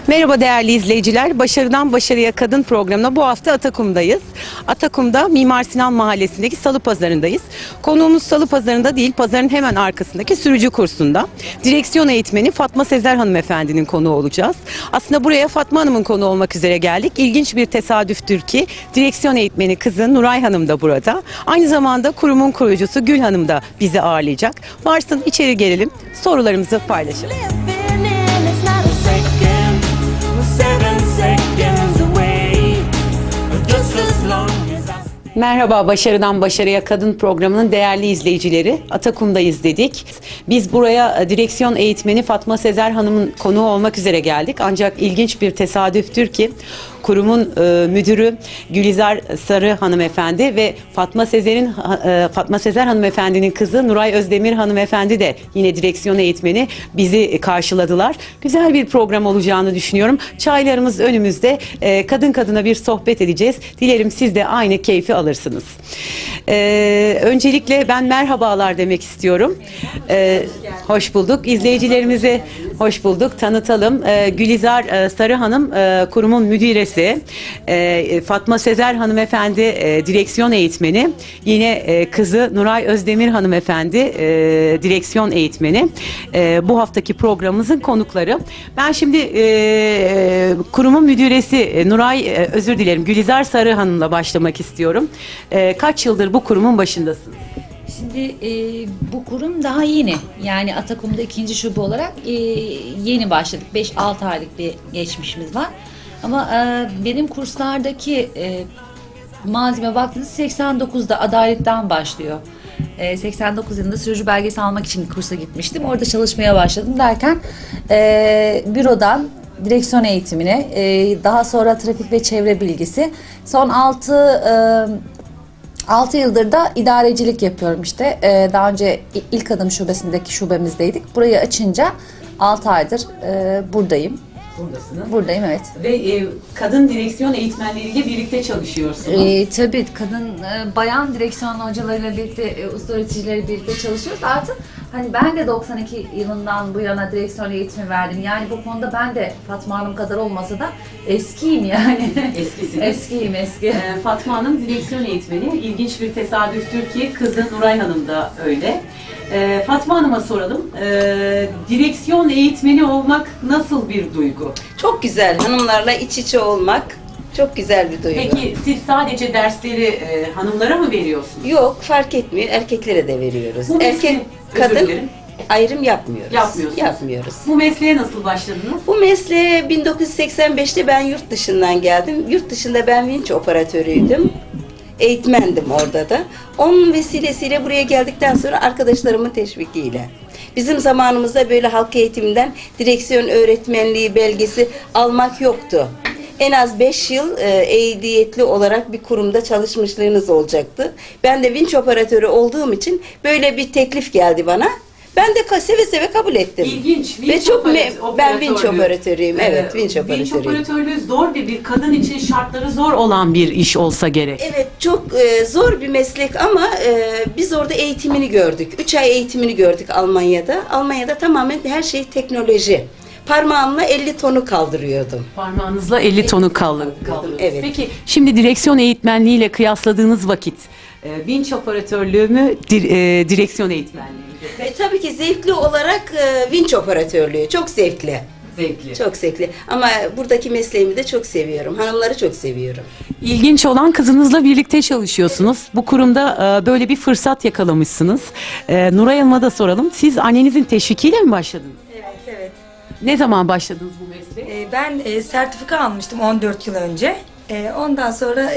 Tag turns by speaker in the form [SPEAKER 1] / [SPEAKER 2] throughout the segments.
[SPEAKER 1] Merhaba değerli izleyiciler. Başarıdan Başarıya Kadın programına bu hafta Atakum'dayız. Atakum'da Mimar Sinan Mahallesi'ndeki Salı Pazarı'ndayız. Konuğumuz Salı Pazarı'nda değil, pazarın hemen arkasındaki sürücü kursunda. Direksiyon eğitmeni Fatma Sezer hanımefendinin konuğu olacağız. Aslında buraya Fatma Hanım'ın konuğu olmak üzere geldik. İlginç bir tesadüftür ki direksiyon eğitmeni kızı Nuray Hanım da burada. Aynı zamanda kurumun kurucusu Gül Hanım da bizi ağırlayacak. Varsın içeri gelelim, sorularımızı paylaşalım. Merhaba, Başarıdan Başarıya Kadın programının değerli izleyicileri. Atakum'dayız dedik. Biz buraya direksiyon eğitmeni Fatma Sezer Hanım'ın konuğu olmak üzere geldik. Ancak ilginç bir tesadüftür ki kurumun müdürü Gülizar Sarı hanımefendi ve Fatma Sezer hanımefendinin kızı Nuray Özdemir hanımefendi de yine direksiyon eğitmeni bizi karşıladılar. Güzel bir program olacağını düşünüyorum. Çaylarımız önümüzde. Kadın kadına bir sohbet edeceğiz. Dilerim siz de aynı keyfi alırsınız. Öncelikle ben merhabalar demek istiyorum. Hoş bulduk. İzleyicilerimize hoş bulduk. Tanıtalım. Gülizar Sarı Hanım kurumun müdiresi. Fatma Sezer hanımefendi direksiyon eğitmeni. Yine kızı Nuray Özdemir hanımefendi direksiyon eğitmeni. Bu haftaki programımızın konukları. Ben şimdi kurumun müdüresi Gülizar Sarı Hanım'la başlamak istiyorum. Kaç yıldır bu kurumun başındasınız?
[SPEAKER 2] Şimdi bu kurum daha yeni. Yani Atakum'da 2. şube olarak yeni başladık. 5-6 aylık bir geçmişimiz var. Ama benim kurslardaki malzeme baktığınız 89'da adaletten başlıyor. 89 yılında sürücü belgesi almak için kursa gitmiştim. Orada çalışmaya başladım derken bürodan direksiyon eğitimine, daha sonra trafik ve çevre bilgisi. Son 6 yıldır da idarecilik yapıyorum işte. Daha önce ilk adım şubesindeki şubemizdeydik. Burayı açınca 6 aydır buradayım.
[SPEAKER 1] Buradasınız.
[SPEAKER 2] Buradayım, evet.
[SPEAKER 1] Ve kadın direksiyon eğitmenleriyle birlikte çalışıyorsunuz.
[SPEAKER 2] Tabii kadın, bayan direksiyon hocalarıyla birlikte, usta öğreticileriyle birlikte çalışıyoruz. Artık hani ben de 92 yılından bu yana direksiyon eğitimi verdim. Yani bu konuda ben de Fatma Hanım kadar olmasa da eskiyim yani.
[SPEAKER 1] Eskisiniz.
[SPEAKER 2] Eskiyim.
[SPEAKER 1] Fatma Hanım direksiyon eğitmeni. İlginç bir tesadüftür ki kızı Nuray Hanım da öyle. Fatma Hanım'a soralım. Direksiyon eğitmeni olmak nasıl bir duygu?
[SPEAKER 3] Çok güzel. Hanımlarla iç içe olmak çok güzel bir duygu.
[SPEAKER 1] Peki siz sadece dersleri hanımlara mı veriyorsunuz?
[SPEAKER 3] Yok, fark etmiyor. Erkeklere de veriyoruz.
[SPEAKER 1] Bu
[SPEAKER 3] Erkek, kadın ayrım yapmıyoruz. Yapmıyoruz.
[SPEAKER 1] Bu mesleğe nasıl başladınız?
[SPEAKER 3] Bu mesleğe 1985'te ben yurt dışından geldim. Yurt dışında ben vinç operatörüydüm. Eğitmendim orada da. Onun vesilesiyle buraya geldikten sonra arkadaşlarımın teşvikiyle. Bizim zamanımızda böyle halk eğitiminden direksiyon öğretmenliği belgesi almak yoktu. En az 5 yıl ehliyetli olarak bir kurumda çalışmışlığınız olacaktı. Ben de vinç operatörü olduğum için böyle bir teklif geldi bana. Ben de seve seve kabul ettim.
[SPEAKER 1] İlginç.
[SPEAKER 3] Ve çok ben vinç operatörüyüm. Evet, vinç operatörüyüm.
[SPEAKER 1] Vinç operatörlüğü zor bir kadın için şartları zor olan bir iş olsa gerek.
[SPEAKER 3] Evet, çok zor bir meslek ama biz orada eğitimini gördük. 3 ay eğitimini gördük Almanya'da. Almanya'da tamamen her şey teknoloji. Parmağımla 50 tonu kaldırıyordum.
[SPEAKER 1] Parmağınızla 50 tonu kaldırıyordunuz.
[SPEAKER 3] Evet.
[SPEAKER 1] Peki şimdi direksiyon eğitmenliğiyle kıyasladığınız vakit vinç operatörlüğü mü, direksiyon eğitmenliği mi?
[SPEAKER 3] Tabii ki zevkli olarak vinç operatörlüğü çok zevkli.
[SPEAKER 1] Zevkli.
[SPEAKER 3] Çok zevkli. Ama buradaki mesleğimi de çok seviyorum. Hanımları çok seviyorum.
[SPEAKER 1] İlginç olan kızınızla birlikte çalışıyorsunuz. Bu kurumda böyle bir fırsat yakalamışsınız. Nuray Hanım'a da soralım. Siz annenizin teşvikiyle mi başladınız?
[SPEAKER 4] Evet.
[SPEAKER 1] Ne zaman başladınız bu mesleğe?
[SPEAKER 4] Ben sertifika almıştım 14 yıl önce. Ondan sonra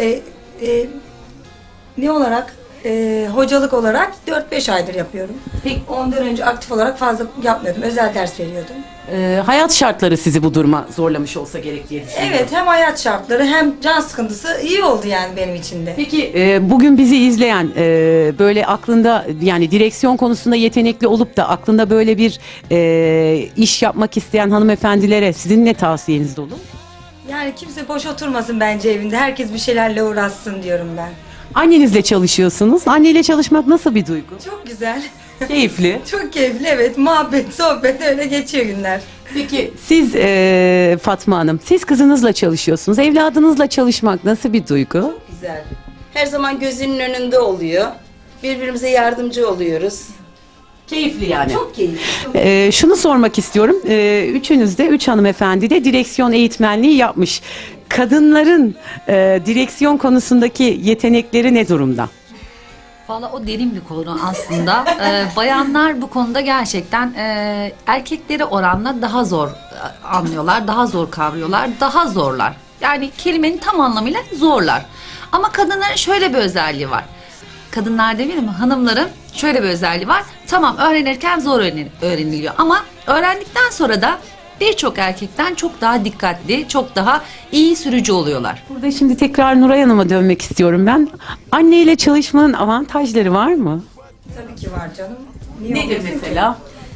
[SPEAKER 4] ne olarak hocalık olarak 4-5 aydır yapıyorum.
[SPEAKER 1] Peki.
[SPEAKER 4] Ondan önce aktif olarak fazla yapmıyordum. Özel ders veriyordum.
[SPEAKER 1] Hayat şartları sizi bu duruma zorlamış olsa gerek diye düşünüyorum.
[SPEAKER 4] Evet, hem hayat şartları hem can sıkıntısı iyi oldu yani benim için de.
[SPEAKER 1] Peki bugün bizi izleyen böyle aklında yani direksiyon konusunda yetenekli olup da aklında böyle bir iş yapmak isteyen hanımefendilere sizin ne tavsiyeniz olur?
[SPEAKER 4] Yani kimse boş oturmasın bence evinde. Herkes bir şeylerle uğraşsın diyorum ben.
[SPEAKER 1] Annenizle çalışıyorsunuz. Anneyle çalışmak nasıl bir duygu?
[SPEAKER 4] Çok güzel.
[SPEAKER 1] Keyifli.
[SPEAKER 4] Çok keyifli, evet. Muhabbet, sohbet öyle geçiyor günler.
[SPEAKER 1] Peki siz Fatma Hanım, siz kızınızla çalışıyorsunuz. Evladınızla çalışmak nasıl bir duygu?
[SPEAKER 3] Güzel. Her zaman gözünün önünde oluyor. Birbirimize yardımcı oluyoruz.
[SPEAKER 1] Keyifli yani.
[SPEAKER 3] Çok keyifli.
[SPEAKER 1] Şunu sormak istiyorum. Üçünüz de, üç hanımefendi de direksiyon eğitmenliği yapmış. Kadınların direksiyon konusundaki yetenekleri ne durumda?
[SPEAKER 2] Valla o derin bir konu aslında. Bayanlar bu konuda gerçekten erkeklere oranla daha zor anlıyorlar, daha zor kavruyorlar, daha zorlar. Yani kelimenin tam anlamıyla zorlar. Ama kadınların şöyle bir özelliği var. Kadınlar demeyelim mi? Hanımların şöyle bir özelliği var. Tamam, öğrenirken zor öğreniliyor ama öğrendikten sonra da birçok erkekten çok daha dikkatli, çok daha iyi sürücü oluyorlar.
[SPEAKER 1] Burada şimdi tekrar Nuray Hanım'a dönmek istiyorum ben. Anneyle çalışmanın avantajları var mı?
[SPEAKER 4] Tabii ki var canım. Niye
[SPEAKER 1] Nedir
[SPEAKER 4] olmasın ki?
[SPEAKER 1] mesela?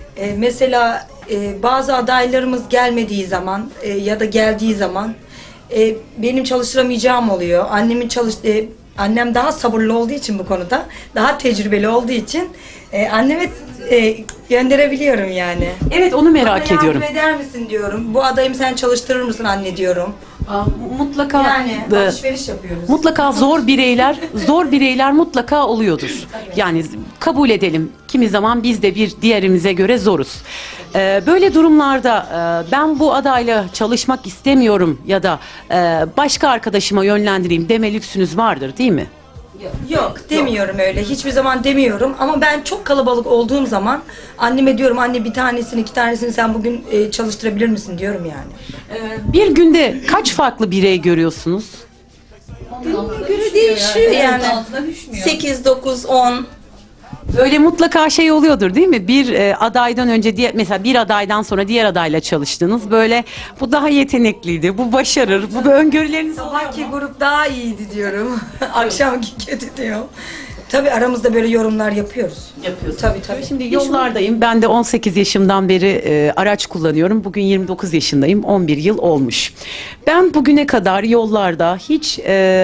[SPEAKER 4] Mesela bazı adaylarımız gelmediği zaman ya da geldiği zaman benim çalıştıramayacağım oluyor. Annem daha sabırlı olduğu için bu konuda, daha tecrübeli olduğu için anneme gönderebiliyorum yani.
[SPEAKER 1] Evet, onu merak
[SPEAKER 4] Bana
[SPEAKER 1] ediyorum.
[SPEAKER 4] yardım eder misin diyorum. Bu adayımı sen çalıştırır mısın anne diyorum.
[SPEAKER 1] Mutlaka
[SPEAKER 4] Yani alışveriş yapıyoruz.
[SPEAKER 1] mutlaka zor bireyler mutlaka oluyordur. Yani kabul edelim. Kimi zaman biz de bir diğerimize göre zoruz. Böyle durumlarda ben bu adayla çalışmak istemiyorum ya da başka arkadaşıma yönlendireyim deme lüksünüz vardır, değil mi?
[SPEAKER 4] Yok demiyorum öyle. Hiçbir zaman demiyorum. Ama ben çok kalabalık olduğum zaman anneme diyorum, anne bir tanesini, iki tanesini sen bugün çalıştırabilir misin diyorum yani.
[SPEAKER 1] Bir günde kaç farklı birey görüyorsunuz?
[SPEAKER 3] Gününe göre değişiyor yani. 8, 9, 10.
[SPEAKER 1] Böyle mutlaka şey oluyordur, değil mi? Bir adaydan önce mesela bir adaydan sonra diğer adayla çalıştınız. Böyle bu daha yetenekliydi, bu başarır, bu öngörüleriniz oluyor mu?
[SPEAKER 4] Sabahki grup daha iyiydi diyorum. Akşamki kötü diyorum. Tabii aramızda böyle yorumlar yapıyoruz.
[SPEAKER 1] Yapıyorsunuz.
[SPEAKER 4] Tabii.
[SPEAKER 1] Şimdi yollardayım. Ben de 18 yaşımdan beri araç kullanıyorum. Bugün 29 yaşındayım. 11 yıl olmuş. Ben bugüne kadar yollarda hiç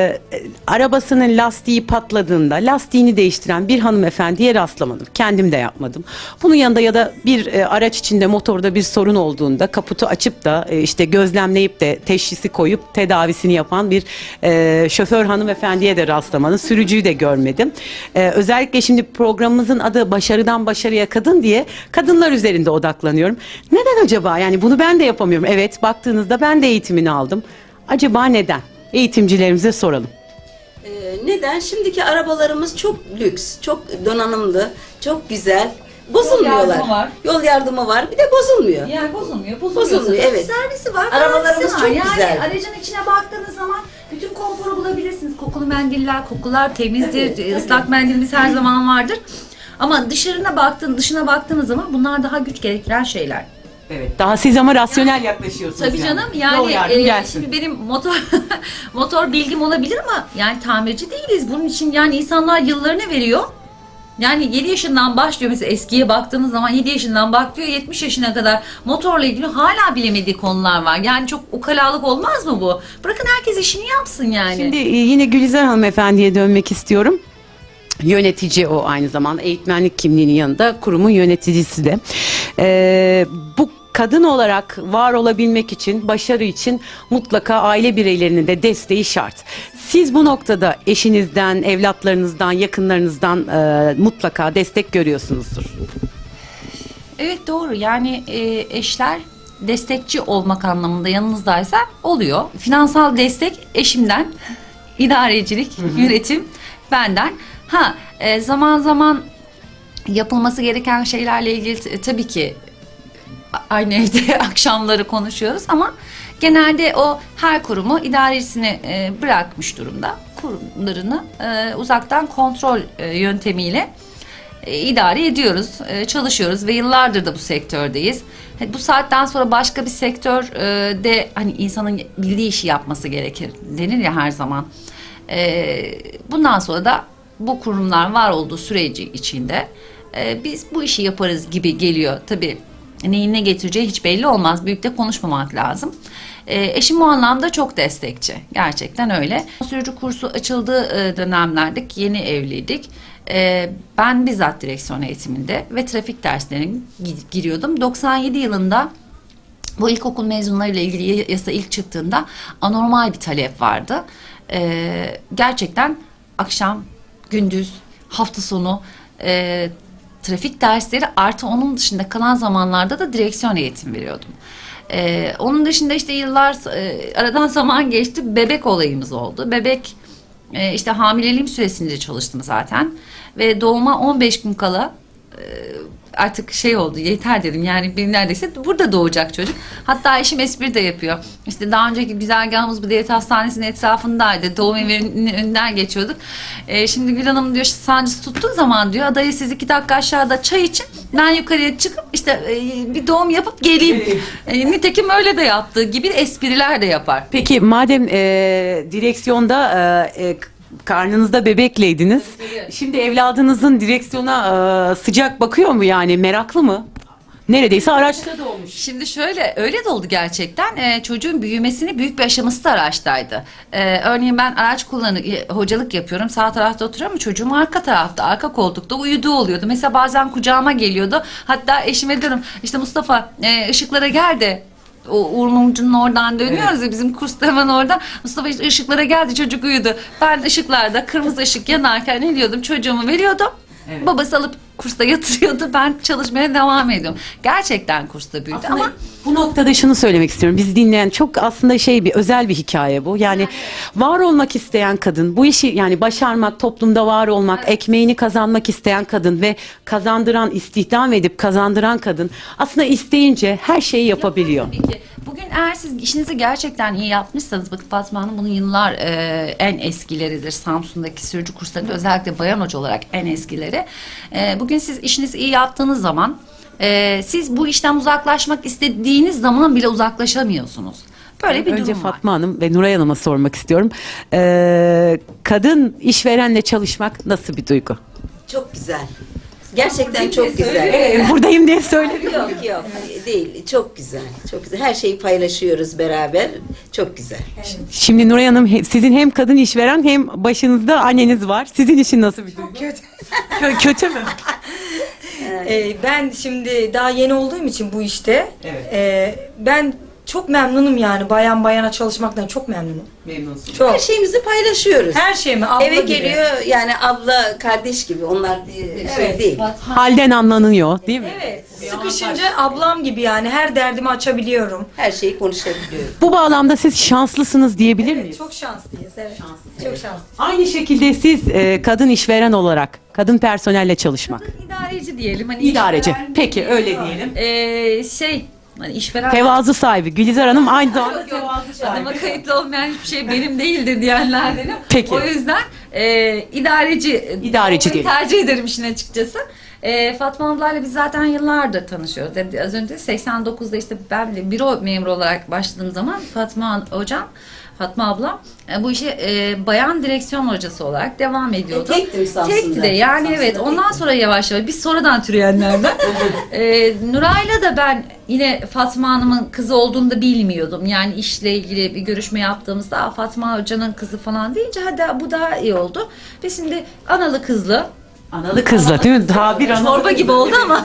[SPEAKER 1] arabasının lastiği patladığında lastiğini değiştiren bir hanımefendiye rastlamadım. Kendim de yapmadım. Bunun yanında ya da bir araç içinde motorda bir sorun olduğunda kaputu açıp da işte gözlemleyip de teşhisi koyup tedavisini yapan bir şoför hanımefendiye de rastlamadım. Sürücüyü de görmedim. Özellikle şimdi programımızın adı Başarıdan Başarıya Kadın diye kadınlar üzerinde odaklanıyorum. Neden acaba? Yani bunu ben de yapamıyorum. Evet, baktığınızda ben de eğitimini aldım. Acaba neden? Eğitimcilerimize soralım.
[SPEAKER 3] Neden? Şimdiki arabalarımız çok lüks, çok donanımlı, çok güzel. Bozulmuyorlar.
[SPEAKER 2] yardımı var.
[SPEAKER 3] Yol yardımı var. Bir de bozulmuyor.
[SPEAKER 2] Yani bozulmuyor.
[SPEAKER 3] Bozulmuyor, evet.
[SPEAKER 2] Servisi var.
[SPEAKER 3] Arabalarımız
[SPEAKER 2] garantisi var.
[SPEAKER 3] çok
[SPEAKER 2] yani
[SPEAKER 3] güzel.
[SPEAKER 2] aracın içine baktığınız zaman bütün konforu bulabilirsiniz. Kokulu mendiller, kokular temizdir. Islak mendilimiz her zaman vardır. Ama dışına baktığınız zaman bunlar daha güç gerektiren şeyler.
[SPEAKER 1] Evet. Daha siz ama rasyonel yaklaşıyorsunuz.
[SPEAKER 2] Tabii canım
[SPEAKER 1] Yol
[SPEAKER 2] yani
[SPEAKER 1] yardım gelsin.
[SPEAKER 2] şimdi benim motor bilgim olabilir ama yani tamirci değiliz. Bunun için yani insanlar yıllarını veriyor. Yani 7 yaşından başlıyor mesela, eskiye baktığınız zaman 7 yaşından başlıyor 70 yaşına kadar motorla ilgili hala bilemediği konular var. Yani çok ukalalık olmaz mı bu? Bırakın herkes işini yapsın yani.
[SPEAKER 1] Şimdi yine Gülizar hanımefendiye dönmek istiyorum. Yönetici o, aynı zamanda eğitmenlik kimliğinin yanında kurumun yöneticisi de. Bu kadın olarak var olabilmek için, başarı için mutlaka aile bireylerinin de desteği şart. Siz bu noktada eşinizden, evlatlarınızdan, yakınlarınızdan mutlaka destek görüyorsunuzdur.
[SPEAKER 2] Evet doğru, yani eşler destekçi olmak anlamında yanınızdaysa oluyor. Finansal destek eşimden, idarecilik, yönetim benden. Zaman zaman yapılması gereken şeylerle ilgili tabii ki aynı evde akşamları konuşuyoruz ama genelde o her kurumu idaresini bırakmış durumda. Kurumlarını uzaktan kontrol yöntemiyle idare ediyoruz, çalışıyoruz ve yıllardır da bu sektördeyiz. Bu saatten sonra başka bir sektörde hani insanın bildiği işi yapması gerekir denir ya her zaman. Bundan sonra da bu kurumlar var olduğu süreci içinde biz bu işi yaparız gibi geliyor. Tabii neyin ne getireceği hiç belli olmaz. Büyük de konuşmamak lazım. Eşim bu anlamda çok destekçi. Gerçekten öyle. Sürücü kursu açıldığı dönemlerde yeni evliydik. Ben bizzat direksiyon eğitiminde ve trafik derslerine giriyordum. 97 yılında bu ilkokul mezunlarıyla ilgili yasa ilk çıktığında anormal bir talep vardı. Gerçekten akşam, gündüz, hafta sonu trafik dersleri artı onun dışında kalan zamanlarda da direksiyon eğitim veriyordum. Onun dışında işte yıllar aradan zaman geçti, bebek olayımız oldu. Bebek işte hamileliğim süresince çalıştım zaten ve doğuma 15 gün kala artık şey oldu, yeter dedim, yani bir neredeyse burada doğacak çocuk. Hatta eşim espri de yapıyor. İşte daha önceki güzergahımız bu devlet hastanesinin etrafındaydı. Doğum evinin önünden geçiyorduk. Şimdi Gül Hanım diyor, sancısı tuttuğu zaman diyor, adayı siz 2 dakika aşağıda çay için, ben yukarıya çıkıp işte bir doğum yapıp geleyim. Nitekim öyle de yaptığı gibi espriler de yapar.
[SPEAKER 1] Peki madem direksiyonda karnınızda bebekleydiniz. Şimdi evladınızın direksiyona sıcak bakıyor mu, yani meraklı mı? Neredeyse araçta da olmuş.
[SPEAKER 2] Şimdi şöyle, öyle de oldu gerçekten. Çocuğun büyümesini büyük bir aşaması da araçtaydı. Örneğin ben araç hocalık yapıyorum. Sağ tarafta oturuyorum ama çocuğum arka tarafta, arka koltukta uyuduğu oluyordu. Mesela bazen kucağıma geliyordu. Hatta eşime diyorum, işte Mustafa ışıklara gel de. O Uğur Mumcu'nun oradan dönüyoruz ya, bizim kursta hemen orada. Mustafa işte ışıklara geldi, çocuk uyudu. Ben ışıklarda kırmızı ışık yanarken ne diyordum? Çocuğumu veriyordum. Evet. Babası alıp kursta yatırıyordu. Ben çalışmaya devam ediyorum. Gerçekten kursta büyüdü
[SPEAKER 1] Aslında
[SPEAKER 2] ama
[SPEAKER 1] bu noktada şunu söylemek istiyorum. Biz dinleyen çok aslında bir özel bir hikaye bu. Yani var olmak isteyen kadın, bu işi yani başarmak, toplumda var olmak, ekmeğini kazanmak isteyen kadın ve kazandıran, istihdam edip kazandıran kadın aslında isteyince her şeyi yapabiliyor.
[SPEAKER 2] Tabii ki. Bugün eğer siz işinizi gerçekten iyi yapmışsanız, bakın Fatma Hanım bunun yıllar en eskileridir. Samsun'daki sürücü kurslarında özellikle bayan hoca olarak en eskileri. Bugün siz işinizi iyi yaptığınız zaman siz bu işten uzaklaşmak istediğiniz zaman bile uzaklaşamıyorsunuz. Böyle bir
[SPEAKER 1] Önce
[SPEAKER 2] durum var.
[SPEAKER 1] Fatma Hanım ve Nuray Hanım'a sormak istiyorum. Kadın işverenle çalışmak nasıl bir duygu?
[SPEAKER 3] Çok güzel. Gerçekten çok güzel.
[SPEAKER 1] Buradayım diye söyledim.
[SPEAKER 3] Yok değil. Çok güzel. Çok güzel. Her şeyi paylaşıyoruz beraber. Çok güzel.
[SPEAKER 1] Şimdi Nuray Hanım, sizin hem kadın işveren hem başınızda anneniz var. Sizin için nasıl bir duygu?
[SPEAKER 4] Kötü.
[SPEAKER 1] Kötü mü?
[SPEAKER 4] Ben şimdi daha yeni olduğum için bu işte ben çok memnunum, yani bayan bayana çalışmaktan çok memnunum.
[SPEAKER 1] Memnunsun.
[SPEAKER 4] Çok.
[SPEAKER 3] Her şeyimizi paylaşıyoruz.
[SPEAKER 4] Her şeyimi abla
[SPEAKER 3] Eve
[SPEAKER 4] gibi.
[SPEAKER 3] geliyor yani abla kardeş gibi. Onlar şey değil.
[SPEAKER 1] Halden anlanıyor, değil mi?
[SPEAKER 4] Evet. Sıkışınca ablam gibi, yani her derdimi açabiliyorum.
[SPEAKER 3] Her şeyi konuşabiliyoruz.
[SPEAKER 1] Bu bağlamda siz şanslısınız diyebilir miyiz?
[SPEAKER 4] Çok şanslıyız, evet. Çok şanslıyız.
[SPEAKER 1] Aynı şekilde siz kadın işveren olarak kadın personelle çalışmak.
[SPEAKER 2] İdareci diyelim. Hani
[SPEAKER 1] İdareci.
[SPEAKER 2] işveren
[SPEAKER 1] Peki
[SPEAKER 2] değil.
[SPEAKER 1] öyle diyelim.
[SPEAKER 2] Hani işveren
[SPEAKER 1] Tevazu sahibi Gülizar Hanım aynı zamanda
[SPEAKER 2] adıma kayıtlı olmayan hiçbir şey benim değildir diyenlerdenim.
[SPEAKER 1] Peki.
[SPEAKER 2] O yüzden idareci
[SPEAKER 1] İdareci diyelim.
[SPEAKER 2] tercih ederim işin açıkçası. Fatma ablayla biz zaten yıllardır tanışıyoruz. Az önce 89'da işte ben de büro memuru olarak başladığım zaman Fatma abla bu işe bayan direksiyon hocası olarak devam ediyordu.
[SPEAKER 3] Tektim Samsun'da.
[SPEAKER 2] Tekti de yani,
[SPEAKER 3] Samsun'da
[SPEAKER 2] evet. Ondan sonra yavaş yavaş biz sonradan türeyenlerden. Nuray'la da ben yine Fatma Hanım'ın kızı olduğunu da bilmiyordum. Yani işle ilgili bir görüşme yaptığımızda Fatma Hoca'nın kızı falan deyince hadi bu daha iyi oldu. Ve şimdi analı kızlı.
[SPEAKER 1] analı kızla değil mi? Daha bir analı.
[SPEAKER 2] Çorba gibi oldu ama.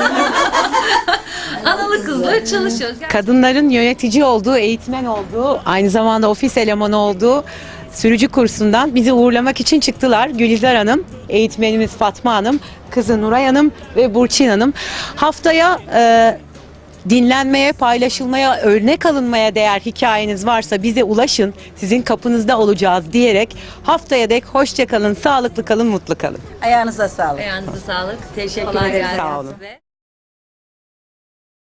[SPEAKER 2] Analı kızla çalışıyoruz.
[SPEAKER 1] Kadınların yönetici olduğu, eğitmen olduğu, aynı zamanda ofis elemanı olduğu sürücü kursundan bizi uğurlamak için çıktılar. Gülizar Hanım, eğitmenimiz Fatma Hanım, kızı Nuray Hanım ve Burçin Hanım. Haftaya dinlenmeye, paylaşılmaya, örnek alınmaya değer hikayeniz varsa bize ulaşın. Sizin kapınızda olacağız diyerek haftaya dek hoşça kalın, sağlıklı kalın, mutlu kalın.
[SPEAKER 3] Ayağınıza sağlık.
[SPEAKER 2] Ayağınıza sağlık.
[SPEAKER 1] Teşekkür
[SPEAKER 2] Kolay
[SPEAKER 1] ederim.
[SPEAKER 2] gelsin
[SPEAKER 1] Sağ olun.
[SPEAKER 2] size.